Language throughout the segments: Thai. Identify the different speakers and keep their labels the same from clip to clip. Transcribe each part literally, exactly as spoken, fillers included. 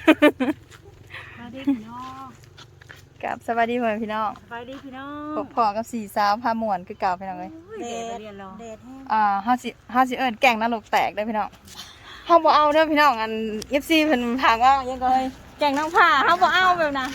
Speaker 1: สวัสดีพี่น้อง
Speaker 2: กับสวัสดีเพื่อนพี่น้อง
Speaker 1: สวัสดีพี่น้อ
Speaker 2: พ
Speaker 1: ง
Speaker 2: บพอกับสี่สาวพาม่วนคือเก่าพี่น้องเอ้ย
Speaker 1: เดดเรียนรอเดดแห้ง
Speaker 2: อ่าห้าสิห้าสิเอิญแก่งนรกแตกได้อพี่น้องเฮาบ่เอาเด้อพี่น้องอัน เอฟ ซี เพิ่นถามว่ายังก็เฮ้ยแก่งนางผ้าเฮาบ่เอาแบบน่ะ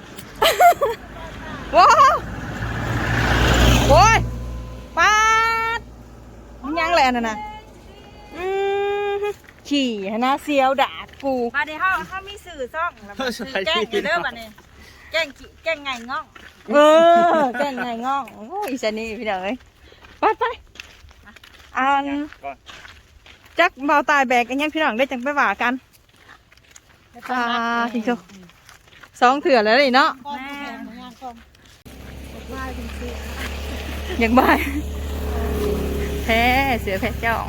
Speaker 2: ว้าวโอ้ยปาดมันยังแหละนั่นน่ะอืมขี่หน้าเสียวดากกู
Speaker 1: มาในห้องเขามีสื่อซ่องแล้วมันสื่อแจ้งอยู่เด้อบัดนี้แจ้งกี่แจ้งไงง่อง
Speaker 2: เออแก่งไงง่องโอ้ยอีสานี่พี่น้องเอ้ยไปไปอันจักเบาตายแบกกันยังพี่น้องได้จังไปว่ากันอ่าจริงๆสองเถื่อแล้วนี่เนาะ
Speaker 1: แม่งานกองว่าจริง
Speaker 2: อยากบายแพ้เสือแพ้เจ้า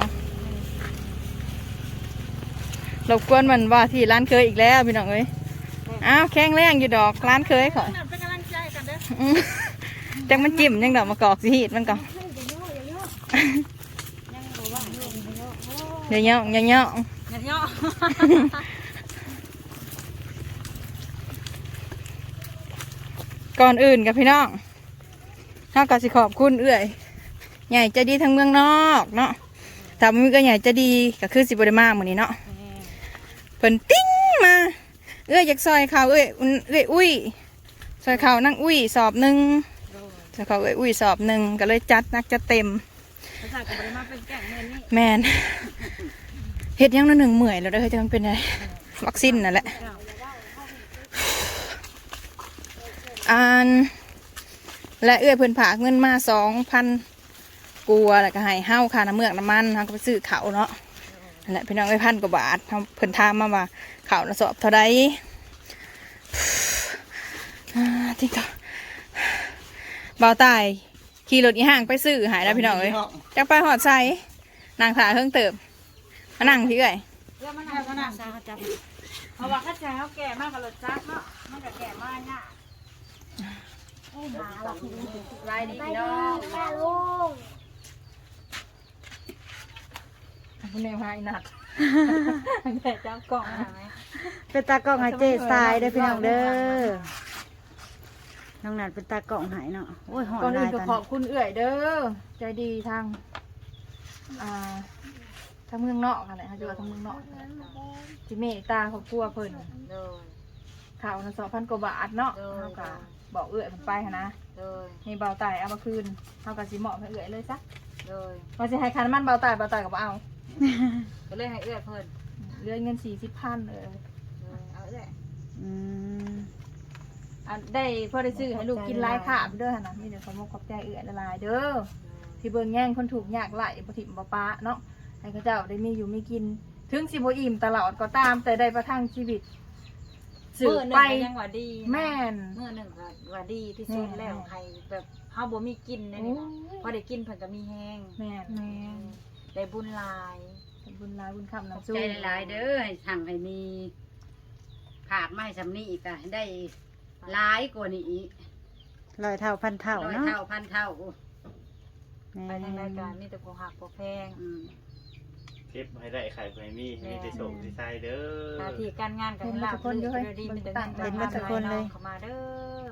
Speaker 2: เรากวนมันว่าที่ร้านเคยอีกแล้วพี่น้องเอ้ยอ้าวแข้งแรงอยู่ดอกร้านเคยของ
Speaker 1: เป็นกำลังใจกันเด้อ
Speaker 2: อืมจังมันจิ้มยังดอกมากอกสิฮีดมันก่อน
Speaker 1: ยังบ่ว่างเรื่องเยอะ
Speaker 2: เดี๋ยวเนาะเดี๋ยวเนาะ
Speaker 1: เยอะ
Speaker 2: ก่อนอื่นกับพี่น้องเท่ากับสิขอบคุณเอื้อยใหญ่ใจะดีทั้งเมืองนอกเนาะถ้ามันก็ใหญ่ใจะดีก็คือสิบได้มากเหมือนนี้เนาะเพิ่นติ้งมาเอื้อยอยากซอยเขาเอื้อยอุ่นเอื้อยอุ้ยซอยเขานั่งอุ้ยสอบหนึ่งซอยเขาเอื้อยอุ้ยสอบหนึ่งก็เลยจัดนักจัดเต็ม
Speaker 1: ภาษากับบริมาเป็นแก่งเงินนี่
Speaker 2: แมนเฮ็ดยังนั่นหนึ่งเมื่อยแล้วเด้อเฮ้ยจะมันเป็นอะไรวัคซีนนั่นแหละอันและเอื้อยเพิ่นผากเงินมาสองพันกัวแล้วก็ให้เฮาค่าน้ำเมือกน้ำมันเฮาก็ไปซื้อเขาวเนาะนั่นแหละพี่น้องเอ้ยพันกว่าบาทเฮาเพิ่นถามมาว่าเขาวน่ะสอบเท่าใดอ่าที่ก็บ่าวตายขี่รถอีห่างไปซื้อหายแล้วพี่น้องเอ้ยจักไปหอดใส่นางถ่าเพิ่งเติบมานั่งพี่เอ้ย
Speaker 1: เรื่องมันน่าจะน่าซาจับเพราะว่าข้าชายเขาแก่มากกับรถจักรเนาะมันก็แก่มากเนี่ยโอ้หมาเราคือ
Speaker 2: ลายดีพี่น้อง
Speaker 1: แม่ลุง
Speaker 2: คุณแม่พายนัดแต่เจ้ากล่องนะ
Speaker 3: เป็นตากล้องให้เจ๊ทรายเด้อพี่น้องเด้อน้องนัดเป็นตากล้องให้เนาะโอ้ยหอ
Speaker 2: ก่อน
Speaker 3: น
Speaker 2: อื่
Speaker 3: ลาน ย
Speaker 2: ก็
Speaker 3: ตอน
Speaker 2: ขอบคุณเอื่อยเด้อใจดีทางอ่าทางเมืองนอกอะไรเขาจะว่าทางเมืองนอกจิเมตตาเขากลัวเพิ่น
Speaker 1: โดย
Speaker 2: ข่าวนะสองพันกว่าบาทเนาะ
Speaker 1: เออ
Speaker 2: เท่ากับบอกเอื่อยมันไปหั้นนะ
Speaker 1: โดย
Speaker 2: นี่เบาตายเอามาคืนเท่ากับสิเหมาะให้เอื่อยเลยซะ
Speaker 1: โดย
Speaker 2: พอจะให้คันมันเบาตายเบาตายกับเอา
Speaker 1: ก็เลยให้เอื้อเพิ่น
Speaker 2: เลื่อนเงินสี่สิบพันเลย
Speaker 1: โดยเอาเอื้อ
Speaker 3: อืม
Speaker 2: อันได้พอได้ซื้อให้ลูกกินหลายขาบเด้อหั่นนะนี่เดี๋ยวเขามาขอบใจเอื่อยละลายเด้อ ที่เบิ่งแย่งคนถูกยากไหลบ่ถิ่มบ่ปะเนาะให้เขาเจ้าได้มีอยู่มีกิน ถึงสิบ่อิ่มตลอดก็ตาม แต่ได้ประทังชีวิตสืบ
Speaker 1: มื้อหนึ่ง
Speaker 2: ไป
Speaker 1: ก็ยังว่าดีนะ
Speaker 2: แม่น
Speaker 1: มื้อหนึ่งก็ว่าดีที่สุดแล้วใครแบบเฮาบ่มีกินนะนี่นะพอได้กินเพิ่นก็มีแฮง
Speaker 2: แม่นแม่น
Speaker 1: ได้บุญหลาย
Speaker 2: เป็นบุญหลายบุญคำ
Speaker 4: ขอบ
Speaker 2: น้ำสู้
Speaker 4: ใจหลายๆเด้อให้สั่งให้มีผากมาให้สำนีอีกอะให้ได้หลายกว่านี้อีก
Speaker 3: ร้อยเท่าพันเท่า
Speaker 4: ร้อย
Speaker 3: เนาะ
Speaker 4: เท่าพันเท่า
Speaker 3: แม่
Speaker 1: ไปทางรายการมีแต่ผู้หักผู้แพง
Speaker 4: อืม
Speaker 5: เทปให้ได้ไข่ไฟมีให้มีแต่ส่งที่ใส่เด้อ
Speaker 1: หน้าที่การงานกันลาบลื่นเรื่อยดีเป็นแต่เงินทำเลยเข้ามาเด้อ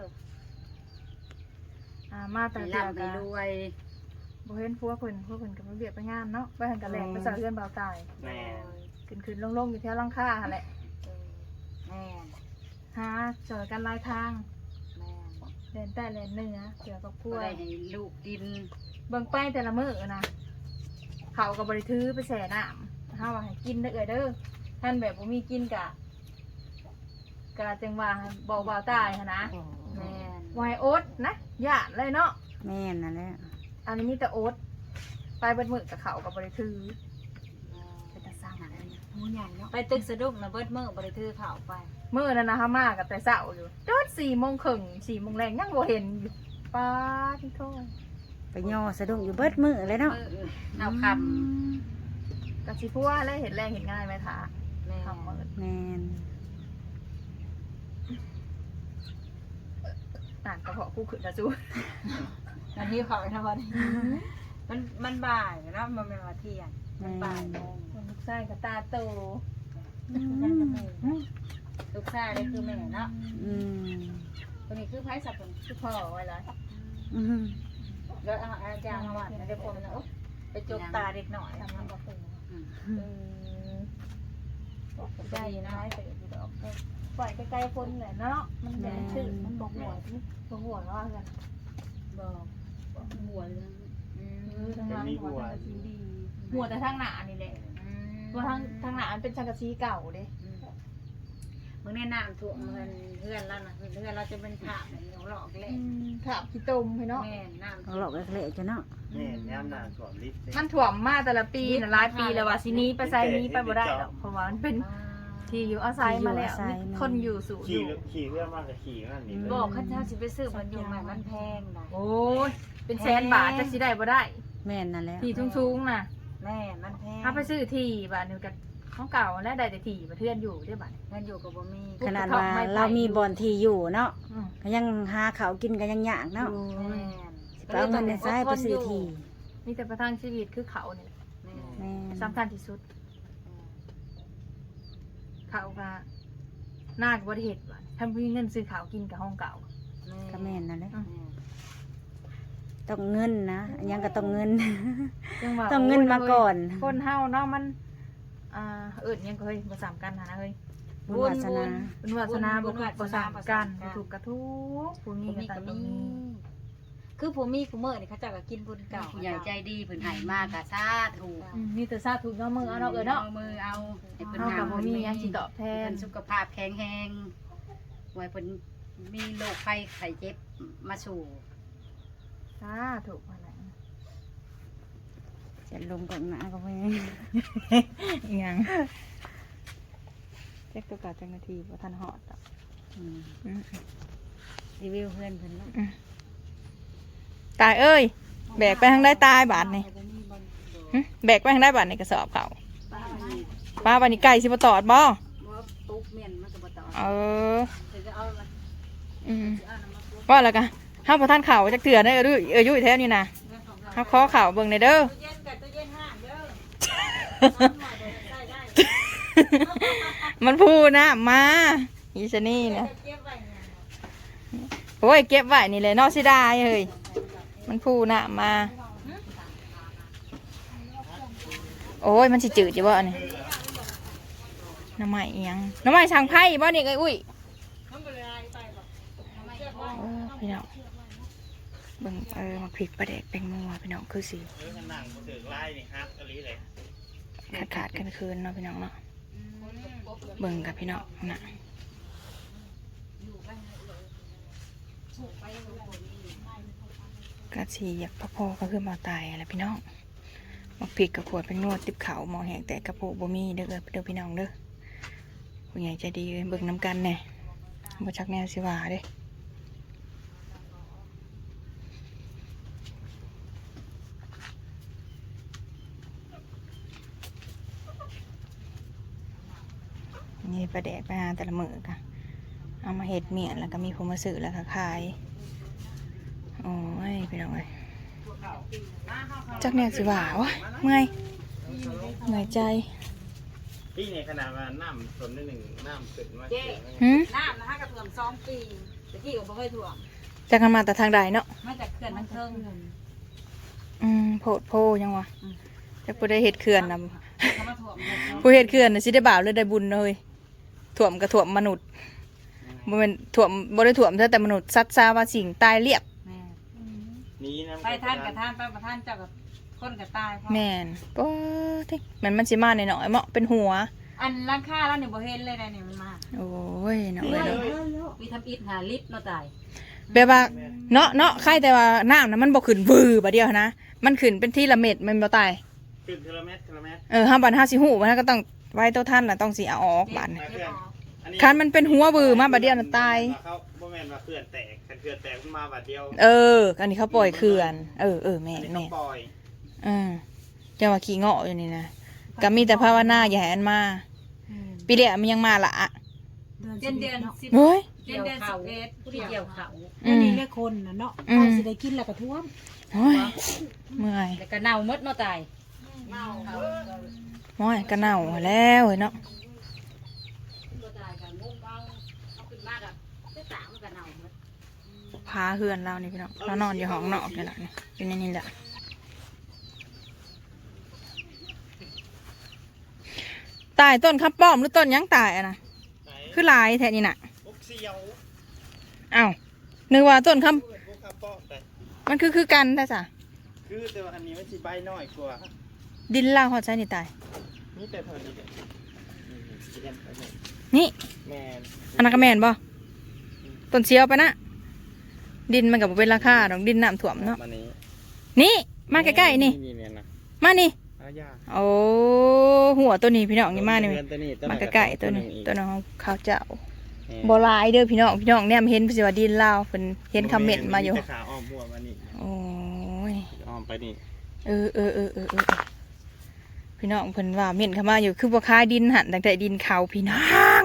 Speaker 2: อ่ามาแต่
Speaker 4: ให้
Speaker 2: เดียว
Speaker 4: ร่ำให้
Speaker 2: กัน
Speaker 4: รวย
Speaker 2: บ่เห็นพวกเพิ่นพวกเพิ่นก็บ่เบียดไปงานเนาะไปหันกันแหลกไปสาวเรือนเบาตาย
Speaker 5: แม่
Speaker 2: ขึ้นขึ้นลงๆอยู่แถวหลังคาหั่นแหละ
Speaker 1: แม่
Speaker 2: หาจอยกันหลายทาง
Speaker 1: แม่
Speaker 2: แลนใต้แลนเหนือเกี่ยวกับครั
Speaker 4: ก็
Speaker 2: ว
Speaker 4: ได้ให้ลูกกิน
Speaker 2: เบิ่งไปแต่ละมื้อนะเขาก็บริถือไปแช่น้ำเฮาว่าให้กินเด้อเอ้ยเด้อท่านแบบบ่มีกินกะกะจังว่าบอกบ่าวตายหั้นนะ
Speaker 1: แม่
Speaker 2: บ่ให้อดนะย่านเลยเนาะ
Speaker 3: แม่นนั่นแหละ
Speaker 2: อันนี้มีแต่อดไปเบิดมื้อกับเขาก็บริถือไปแต่สร้างอะไรหมูใหญ่เนาะ
Speaker 1: ไปตึกสะดุ้งนะเบิดมื้อบริทือข่าวไป
Speaker 2: มื้อนั้นนะเฮามากับแต่เช้าอยู่จนสี่โมงครึ่งสี่โมงแรงยังบ่เห็นอยู่ป้าที่โทษ
Speaker 3: ไปย่อสะดุ้งอยู่เบิดมือเลยเนาะ
Speaker 4: เออเอาค
Speaker 2: กะสิพัวแล้วเห็นแรงเห็นง่ายไหมคะ
Speaker 1: แม่
Speaker 2: ทำมื้อ
Speaker 3: แม่น
Speaker 2: อ่านกระเพาะกูขึ้นนะจู
Speaker 1: อันนี้ข่าวนะวันนี้มันมันบ่ายนะมันเป็นวันเที่ยงมันบ่ายโมง
Speaker 2: คนลูกไส้กับตาโต
Speaker 1: ยังจะไม่ลูกชายได้คือแม่เนาะ
Speaker 3: อืม
Speaker 1: คนนี้คือไผสับเป็นคือพ่อไว้เลย
Speaker 3: อืม
Speaker 1: แล้วเอาอาจารย์มาวัดนะเดี๋ยวผมนะไปจกตาเด็กหน่อยทำมันบ่เป็น
Speaker 4: อืม
Speaker 1: เออได้นะไปดูดอกปล่อยใกล้ๆคนแหละเนาะมันแดงชื่อมันบอกหัวมันบอกหัวเนาะกันบอกบอกหัวเลยอืมทางหลังหัวทางสีดีหัวแต่ทางหน้านี่แหละเพราะทางทางหน้ามันเป็นสังกะสีเก่าเด้
Speaker 4: มึงแนะนำถูกเงินเพื่อนแล้วนะเพื่อนเราจะเป็นถาบแบบนี้หลอกเลย
Speaker 1: ถามพี่ตมพี่เนาะ
Speaker 4: แม่น้ำ
Speaker 3: เอาหลอกเละๆจ้ะเนาะ
Speaker 5: นี่ย่ำหนาสวมลิฟต์
Speaker 2: มันถ่วมมาแต่ละปีน่ะหลายปีแล้วว่าสิหนี้ไปไสนี้ไปบ่ได้หรอกเพราะว่ามันเป็นที่อยู่อาศัยมาแล้วมีคนอยู่สู่อ
Speaker 5: ขี่
Speaker 2: ยู่
Speaker 5: ขี่เรื่องมากกับขี่นั่นนี่
Speaker 4: บอกข้าเจ้าสิไปซื้อมันอยู่ใหม่มันแพงนะ
Speaker 2: โอ้ยเป็นแสนบาทจักสิได้บ่ได้
Speaker 3: แม่นนั่นแหล้ว
Speaker 2: ที่สูงๆน่ะ
Speaker 4: แม่มันแพง
Speaker 2: ถ้าไปซื้อที่บาทนึงก็ของเก่าและได้แต่ที่บ่เทื่อนอยู่ได้บาด
Speaker 4: เงินอยู่กับบ่มี
Speaker 3: ขนาดว่าเรามีบ่อนที่อยู่เนาะ
Speaker 2: อืม
Speaker 3: ก็ยังหาเขาวกินก็ยังยากเนาะ
Speaker 4: แม่
Speaker 3: สิไปเอาเงินในซ้ายไปซื้อที่
Speaker 2: มีแต่ประทังชีวิตคือเขาเนี่ย
Speaker 4: แม่
Speaker 3: แม่น
Speaker 2: สำคัญที่สุด เขาก็น่าจะบ่ได้เฮ็ดบาดถ้ามีเงินซื้อข้าวกินกับห้องเก่า
Speaker 3: ก็แม่นนั่นแหละ
Speaker 2: อืม
Speaker 3: ต้องเงินนะอันยังก็ต้องเงิน
Speaker 2: จังว่า
Speaker 3: ต้องเงินมาก่อน
Speaker 2: คนเฮาเนาะมันอ่าเอิ้นหยังก็เฮ้ยบ่สามกันหานะเฮ้ย
Speaker 3: บุญวาสนา
Speaker 2: บุญวาสนาบ่ถูกบ่สามกันบ่ถูกกระทุกผู้มี
Speaker 4: มี
Speaker 2: ก็
Speaker 4: ก็
Speaker 2: ต้อง
Speaker 4: มี
Speaker 2: มี
Speaker 1: คือผมมีกูเมื่อนี่เขาเจ้าก็กินบุญเก่า
Speaker 4: ผู้ใหญ่ใจดีเพิ่นให้มากะซาถูก
Speaker 2: อืมมีแต่สาธุเนาะมือเอาเนาะเอ้ยเนาะ
Speaker 4: เอามือเอาให้เพิ่น
Speaker 2: เฮา
Speaker 4: หา
Speaker 2: ก็บ่มีหยังสิตอบแท
Speaker 4: เพิ่
Speaker 2: น
Speaker 4: นสุขภาพแข็งแรงไว้เพิ่นมีโรคภัยไข้เจ็บมาสู่
Speaker 2: สาธุว่าแหละ
Speaker 3: จะลงก่อนนะก็ไม่
Speaker 2: อีหยังแจ็คตัวกาจังนาทีบ่ทันฮอดดอก
Speaker 3: อืม
Speaker 2: อืม
Speaker 3: รีวิวเพื่อนเพิ่นเนาะ
Speaker 2: ตายเอ้ยแบกไปทางได้ตายบาทนี่หึแบกไปทางได้บาทนี่กระสอบเขาป้าบานี่ไก่สิบ่ตอดบ่
Speaker 4: บ่ตุ๊กเม่นมันก็บ่ต่อ
Speaker 2: เออ
Speaker 4: เดี๋ยวจะเอามา
Speaker 2: อืมว่าแล้วกันห้ามพอท่านเข่าจักเถื่อได้อเออเออยุ่ยแท้นี่นะห้ามคอเข่าเบิ่งในอยเด้อ
Speaker 1: เย็นกับตัวเย็นห้างเด้อ
Speaker 2: มันพูดนะมาอีชะนี่นะ
Speaker 1: เก็บไว้เนี่ย
Speaker 2: โอ้ยเก็บไว้นี่เลยนอกสิได้เฮ้ยมันพูดนะมาโอ้ยมันสิจืดอยู่บ่นี่น้ำใหม่อีหยังน้ำใหม่ช่างไพ่บ่นี่ไอ้อุ้ย
Speaker 1: มันเป็นอะไรไปบ่
Speaker 2: เออพี่น้องเบิ่งเออมาพริกปลาแดกแตงโมพี่น้องคือสิ
Speaker 5: เออขนังมาถึงไล่นี่ฮักอะไรเลย
Speaker 2: ขาดขาดๆกันคืนเนาะพี่น้องเนาะเบิ่งกับพี่น้องน่ะกะสีอยากพอๆก็คือมาตายอะไรพี่น้องมาพริกกับขวดเป็นนวดติบเขาหมอแหงแต่กระโปงบ่มีเด้อเด้อพี่น้องเด้อผู้ใหญ่ใจดีเบิ่งน้ำกันแน่บ่ชักแนวสิว่าเด้ นี่ปลาแดกไปหาแต่ละมือค่ะเอามาเห็ดเมียนแล้วก็มีผู้มาซื้อแล้วก็ขายโอ้ยพี่น้องเอ้ยจักเนี่ยสิว่าวะเมื่อยเหนื่อยใจ
Speaker 5: พี่ในขนาดว่าน้ำส่วนหนึ่งน้ำขึ้นมา
Speaker 2: หืม
Speaker 1: น้ำนะฮะกระเพื่อมสองปีตะกี้ก็บ่เคยถ่วง
Speaker 2: จักกันมาแต่ทางใดเนาะ
Speaker 1: มาจากเขื่อนมันเทิง
Speaker 2: อืมโพดโพยังวะจะผู้ได้เห็ดเขื่อนนะ
Speaker 1: เขามาถ่วง
Speaker 2: ผู้เห็ดเขื่อนนะสิได้บ่าวหรือได้บุญเลยถ่วมกระถ่วมมนุษย์บ่แมันถ่วมบ่ได้ถ่วมเท่าแต่มนุษย์ซัดซาว่าสิ่งตายเรียบ
Speaker 5: นี้น้ำ
Speaker 1: ไปท่านกับท่านไปประท่านเจ้ากับคนกับตาย
Speaker 2: แม่นก็ที่มันมันสิมาในหน่อยๆเหมาะเป็นหัว
Speaker 1: อันราคาแล้วเนี่ยบ่เห็นเลยนะเนี่ยมันมา
Speaker 2: โอ้ยเนาะเอ้ยเนาะ
Speaker 4: มีทำอิฐหาลิฟต์เนาะตาย
Speaker 2: แบบว่าเนาะเนาะใครแต่ว่าน้ำนะมันบ่ขึ้นวือบาดเดียวนะมันขึ้นเป็นที่ละเม็ดมันบ่ตาย
Speaker 5: ขึ้นเทเลเมตรเทเลเมตร
Speaker 2: เออห้าบาทห้าสิหูมันก็ต้องไว้ตัวท่านน่ะต้องสิเอาออกบาดนี่
Speaker 5: เพื่อน
Speaker 2: คันมันเป็นหัววือมาบาดเดียวน่ะตาย
Speaker 5: เขาบ่แม่นว่าเขื่อนแตกคันเขื่อนแตกมันมาบาดเดียว
Speaker 2: เอออันนี้เขาปล่อยเขื่อนเออเออแม่
Speaker 5: อัน
Speaker 2: น
Speaker 5: นี้
Speaker 2: แม่
Speaker 5: เขา
Speaker 2: น
Speaker 5: ปล่อย
Speaker 2: เออจะว่าขี้เงาะอยู่นี่นะก็มีแต่ภาวนาอย่าให้อันมาปีเดียวมันยังมาละอะ
Speaker 1: เดือนเดือนสิบ
Speaker 2: โอ้ย
Speaker 1: เดือนเดือนสิบเอ็ด
Speaker 4: ผู้ที่เกี่ยวเขา
Speaker 2: อืม
Speaker 3: นี่เลขคนนะเนาะ
Speaker 2: อืม
Speaker 3: ใครสิได้กินแล้วก็ท่วม
Speaker 2: โอ้ยเมื่อย
Speaker 4: แล้วก็เน่าหมดเนาะตาย
Speaker 2: โอ้ยก็เน่าแล้วเฮ้ยเนาะ
Speaker 4: ตัวตายกันงูเอาเอาขึ้นมากับเสื้อสามกันเอาหมด
Speaker 2: พาเฮือนเรานี่พี่น้องเรานอนอยู่ห้องนอกนี่แหละนี่เป็นอย่างนี้แหละตายต้นข้าวป้อมหรือต้นหยังตายอะนะคือลายแท้นี่น่ะ
Speaker 5: พวกเสียว
Speaker 2: อ้าวนึกว่าต้นข้าว
Speaker 5: พวกข้าวป้อแต่
Speaker 2: มันคือคือกันได้จ้ะ
Speaker 5: คือแต่ว่าอันนี้มันสิใบน้อยกว่า
Speaker 2: ดินล่างหอดใช้นี่ตาย
Speaker 5: นี่แต่เท่านี้เด็ก
Speaker 2: นี่
Speaker 5: แมน
Speaker 2: อันนั้นก็แม่นบ่ต้นเสียวไปนะดินมันกับเป็นราคาดอกดินน้ำท่วมเนาะ
Speaker 5: มานี้
Speaker 2: นี่มาใกล้ๆนี่
Speaker 5: นี่เนี่ยนะ
Speaker 2: มานี่
Speaker 5: อายา
Speaker 2: โอ้หัวตัวนี้พี่น้องนี่มานี่
Speaker 5: เดือนตัวนี้
Speaker 2: มาใกล้ๆตัวนี้ตัวน้องข้าวเจ้า
Speaker 5: แม่
Speaker 2: โบราณเด้อพี่น้องพี่น้องเนี่ยเห็นสิว่าดินลาวเพิ่นเห็นคอมเมนต์มาอยู่
Speaker 5: แต่ขาอ้อมหัวมานี่
Speaker 2: โอ้ย
Speaker 5: อ้อมไปนี่
Speaker 2: เออเออเออเออเออพี่น้องเพิ่นว่าเม่นเข้ามาอยู่คือบ่คายดินหันตั้งแต่ดินเขาพี่น้อง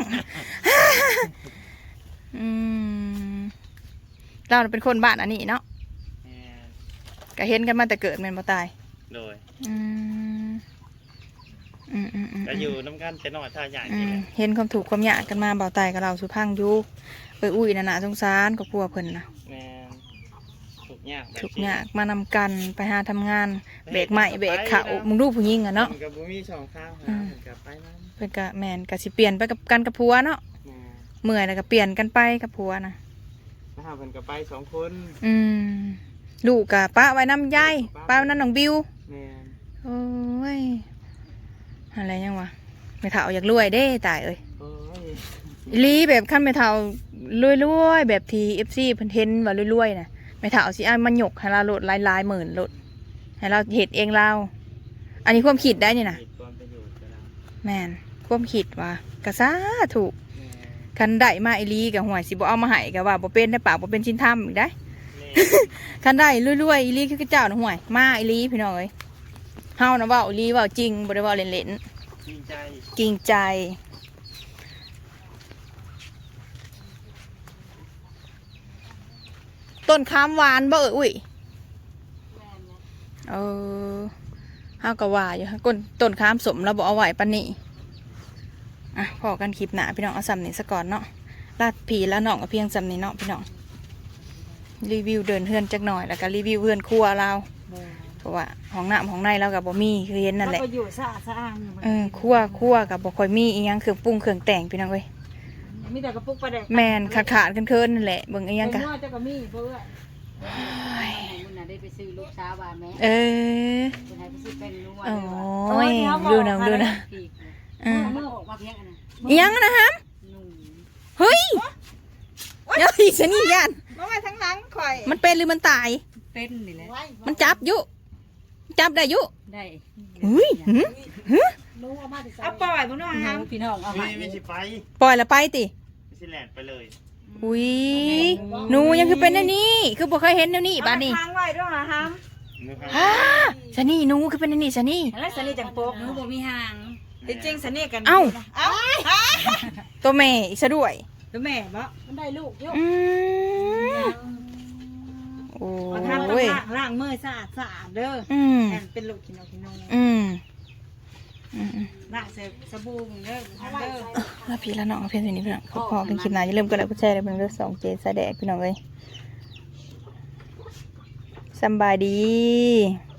Speaker 2: อืมเราเป็นคนบ้านอันนี้เนาะ
Speaker 5: แม่น
Speaker 2: ก็เห็นกันมาแต่เกิดแม่นบ่ตาย
Speaker 5: โดย
Speaker 2: อืมอืมอืมอืม
Speaker 5: ก็อยู่น้ำกันแต่น้อยท่าใหญ่
Speaker 2: อื
Speaker 5: นี่
Speaker 2: ม
Speaker 5: แหละ
Speaker 2: เห็นความถูกข์ความยากกันมาเบาตายกับเราสุพังอยู่เอ้ยอุ้ยน่ะน่ะสงสารกับพัวเพิ่นน่ะ
Speaker 5: แม่นถูกยากแบบ
Speaker 2: ทุกอยากมานำกันไปหาทำงานเบรกใหม่เบรกเขามึงดูผู้หญิงอะเนาะ
Speaker 5: มันกับบุมีสองข้างหา
Speaker 2: อืม
Speaker 5: มันกับไปนั่น
Speaker 2: เพิ่นก็แมนก็สิเปลี่ยนไปกับกันกับผัวเนาะ
Speaker 5: แม่
Speaker 2: เมื่อยแล้วก็เปลี่ยนกันไปกับผัวนะ
Speaker 5: ถ้าเพิ่นกับไปสองคน
Speaker 2: อืมลูกกับป้าไว้น้ำยายป้าไว้น้ำน้องบิว
Speaker 5: แม่น
Speaker 2: โอ้ยอะไรยังวะไม่เท่าอยากรวยเด้ตายเอ้ย
Speaker 5: โอ้ย
Speaker 2: อีหลีแบบขั้นไม่เท่ารวยๆแบบทีเอฟซีเพิ่นเทนว่ารวยๆนะไม่เท่าสิอ้ายมันหยกให้เราโหลดหลายๆหมื่นโหลดให้เราเห็ดเองเราอันนี้ความคิดได้นี่นะ
Speaker 5: มีความประโยชน์กับเรา
Speaker 2: แมนความคิดว่ากระซ่าถูก
Speaker 5: แม่
Speaker 2: คันได้มาอีหลีกับหวยสิบ่เอามาให้กับว่าบ่เป็นได้ปากบ่เป็นชิ้นทำอีกได้
Speaker 5: แม่
Speaker 2: คันได้รวยๆอีหลีคือเจ้าน่ะหวยมาอีหลีพี่น้องเอ้ยเฮานะเว้าอีหลีเว้าจริงบ่ได้เว้าเล่น
Speaker 5: จริงใจ
Speaker 2: ๆจริงใจต้นคามหวานบ่เอ้ยอุ้ยเออเฮาก็ว่าอยู่ก้นต้นคามสมแล้วบ่เอาไว้ปานนี้อ่ะพอกันคลิปหน้าพี่น้องเอาซ้ำนี้ซะก่อนเนาะลาดผีแล้วน้องก็เพียงซ้ำนี้เนาะพี่น้องรีวิวเดินเฮือนจักหน่อยแล้วก็รีวิวเฮือนครัวเราเพราะว่าห้องน้ำห้องในเรากับบ่มีคือเห็นนั่นแหละ
Speaker 3: ก็อยู่สะอาดสะอ้างอยู่
Speaker 2: เออครัวครัวกับบ่ค่อยมีอีหยังเครื่องปรุงเครื่องแต่งพี่น้องเว้ย
Speaker 3: มีแต่กระปุกประเด็ก
Speaker 2: แมนขาดขาดๆเคินๆนั่นแหละเบิ่งอีหยัง
Speaker 3: กั
Speaker 2: กะ
Speaker 3: นว่าจะก็มีเพื่อ
Speaker 4: มึงน่ะได้ไปซื้อลูกสาวว่าแม่
Speaker 2: เออ
Speaker 4: คนไทยไปซื้อเป็นนัว
Speaker 2: โอ้ยดูนะดูนะ
Speaker 4: ปีก
Speaker 2: อ่า
Speaker 4: เมื่อออกมาเพียงอันนั้น
Speaker 2: อีหยังนะฮะ
Speaker 4: นุ่ม
Speaker 2: เฮ้ยเดี๋ยวอีฉันนี่ยัน
Speaker 3: มาไว้ทั้งหลังข่อย
Speaker 2: มันเป็นหรือมันตาย
Speaker 4: เป็นนี่แหละ
Speaker 2: มันจับอยู่จับได้อยู่
Speaker 4: ได้
Speaker 2: อุ้ยหืมหืม
Speaker 3: เอาปล่อยบ่น้อง
Speaker 4: เอา
Speaker 3: ฮะ
Speaker 4: พี่น้องเอา
Speaker 5: มี
Speaker 4: ให้
Speaker 5: มีสิไป
Speaker 2: ปล่อยละไปติ
Speaker 5: มีสิแลนไปเลย
Speaker 2: อุ้ยหนูยังคือเป็นอันนี้ คือบ่เคยเห็นแนวนี้บ้านนี้
Speaker 3: ทางไว้ด้วยฮะฮัม
Speaker 5: มือพัง
Speaker 2: ฮ่าสนี่หนูคือเป็นอันนี้สนี่
Speaker 3: แล้วสนิทจังโป๊ก
Speaker 4: หนูบ่มีหาง
Speaker 3: จริงๆสนิทกัน
Speaker 2: เอ้า
Speaker 3: เอ้า
Speaker 2: ตัวแม่อีกซะด้วย
Speaker 3: แล้วแม่บ่มันได้ลูกอยู่
Speaker 2: อืมโอ้
Speaker 3: มาทำต้อง
Speaker 2: ย
Speaker 3: ล้างล้างมือสะอาดสะอาดเด้อ
Speaker 2: อืม
Speaker 3: แอนเป็นลูกกินเอากินนม
Speaker 2: อืมอืม
Speaker 3: ล้างเสร็จสบู่เด้อเด้อ
Speaker 2: แล้วพี่แล้วน้องเพียงเท่านี้พี่น้องพอพอกันคลิปหน้าอย่าลืมกดไลค์กดแชร์เลยเป็นเรื่องสองเจสายแดกพี่น้องเลยสำบายดี